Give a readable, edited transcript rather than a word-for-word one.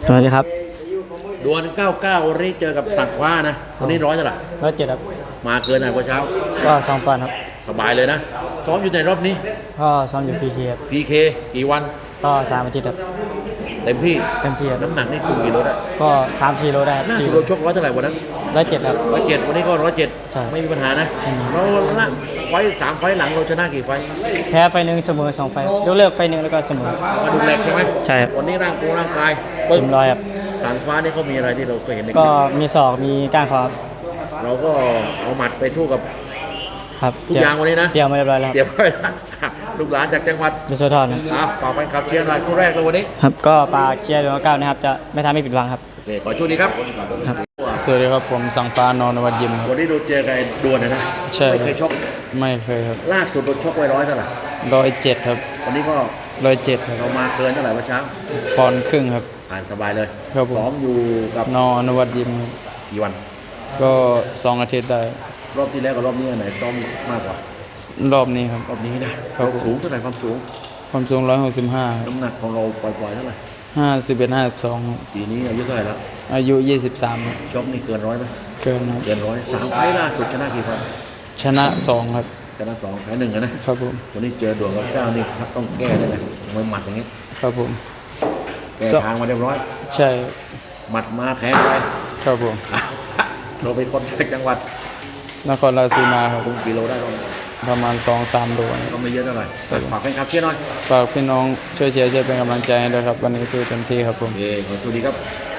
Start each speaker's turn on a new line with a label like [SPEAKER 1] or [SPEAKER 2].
[SPEAKER 1] สวัสดีครับ
[SPEAKER 2] ดวล99วันนี้เจอกับสักว้านะวันนี้ร้อยเท่าไหร่
[SPEAKER 1] 107ครับ
[SPEAKER 2] มาเกินหน่อยกว่าเช้า
[SPEAKER 1] ก็2 ปอนด์ครับ
[SPEAKER 2] สบายเลยนะซ้อมอยู่ในรอบนี้
[SPEAKER 1] ก็ซ้อมอยู่พีเคครับ
[SPEAKER 2] PK กี่วัน
[SPEAKER 1] ก็3 อาทิตย์ครับ
[SPEAKER 2] เต็มที่
[SPEAKER 1] ครับ
[SPEAKER 2] น้ำหนักนี่คุมกี่โลได้
[SPEAKER 1] ก็3-4 โลได้
[SPEAKER 2] หน้าสุดเราชกร้อยเท่าไหร่วันนั้น
[SPEAKER 1] 107ครับ
[SPEAKER 2] 107วันนี้ก็
[SPEAKER 1] ใช่
[SPEAKER 2] 107ไม่มีปัญหานะเราละไฟ3 ไฟหลังเราชนะกี่ไฟ
[SPEAKER 1] แพ้ไฟหนึ่งเสมอ2 ไฟยกเลิกไฟหนึ่งแล้วก็เสมอก
[SPEAKER 2] ระดูกเหล็กใช่ไหม
[SPEAKER 1] ใช่ครับ
[SPEAKER 2] วันนี้ร่างกาย
[SPEAKER 1] เต็มร้อยครับ
[SPEAKER 2] สันฟ้านี่เขามีอะไรที่เราเคยเห็นใน
[SPEAKER 1] ก็มีศอกมีก้านคอครับ
[SPEAKER 2] เราก็เอาหมัดไปสู้กับ
[SPEAKER 1] ครับ
[SPEAKER 2] ทุกอย่างวันนี้นะ
[SPEAKER 1] เตรียมมาเรียบร้อยแล้ว
[SPEAKER 2] เตรียมไว้แล้วลูกหลานจากจังหวัด
[SPEAKER 1] ยโสธรครับ
[SPEAKER 2] ฝากแฟนคลับเชียร์หน่อยคู่แรกเลยวันนี้
[SPEAKER 1] ครับก็ฝากเชียร์ดวง9นะครับจะไม่ทำให้ผิดหวังครับ
[SPEAKER 2] โอเคขอช่วยดีครับ
[SPEAKER 3] สวัสดีครับผมสังปานนวัดยิม
[SPEAKER 2] วันนี้เราเจอกันดวลนะ
[SPEAKER 3] ใช่
[SPEAKER 2] ไม่เคยชก
[SPEAKER 3] ไม่เคยครับ
[SPEAKER 2] ล่าสุดเราชกไว้100เท่าไหร่
[SPEAKER 3] 107ครับ
[SPEAKER 2] วันนี้ก็
[SPEAKER 3] 107ครับ
[SPEAKER 2] เรามาเกินเท่าไหร่เมื่อเช้า
[SPEAKER 3] ปอนด์ครึ่งครับ
[SPEAKER 2] ผ่านสบายเลย
[SPEAKER 3] ครับผม
[SPEAKER 2] ซ้อมอยู่กับ
[SPEAKER 3] นวัดยิม
[SPEAKER 2] กี่วัน
[SPEAKER 3] ก็2 อาทิตย์ได้
[SPEAKER 2] รอบที่แล้วกับรอบนี้ไหนซ้อมมากกว่าร
[SPEAKER 3] อบนี้ครับ
[SPEAKER 2] รอบนี้นะครับสูงเท่าไหร่ความสูง
[SPEAKER 3] 165
[SPEAKER 2] น้ำหนักของเราปล่อยๆเท่าไหร่
[SPEAKER 3] 51 52
[SPEAKER 2] ปีนี้อายุเท่าไหร่แล้ว
[SPEAKER 3] อายุ23
[SPEAKER 2] ชกนี่เกิน100ไหม
[SPEAKER 3] เกินครับ
[SPEAKER 2] เกิน100 3 ไฟล์ล่าสุดชนะกี่ไฟล์
[SPEAKER 3] ชนะ2ครับ
[SPEAKER 2] ชนะ2 แพ้1นะครับ
[SPEAKER 3] ผม
[SPEAKER 2] วันนี้เจอดวงกับ9นี่ต้องแก้ได้เลยมวยหมัดอย่างนี้
[SPEAKER 3] ครับผม
[SPEAKER 2] แก้ทางมาเรียบร้อย
[SPEAKER 3] ใช่
[SPEAKER 2] หมัดมาแทงไป
[SPEAKER 3] ครับผม
[SPEAKER 2] เราเป็นคนจากจังหวัด
[SPEAKER 3] นครราชสีมาครับ
[SPEAKER 2] กิโลได้
[SPEAKER 3] ประมาณ 2-3 โล
[SPEAKER 2] ก็ไม่เยอะเท่าไหร่ฝากแฟนคลับเชียร์หน่อย
[SPEAKER 3] ฝากพี่น้องช่วยเชียร์ช่วยเป็นกำลังใจให้ด้วยครับวันนี้สู้เต็มที่ครับผม
[SPEAKER 2] ขอบคุณดีครับ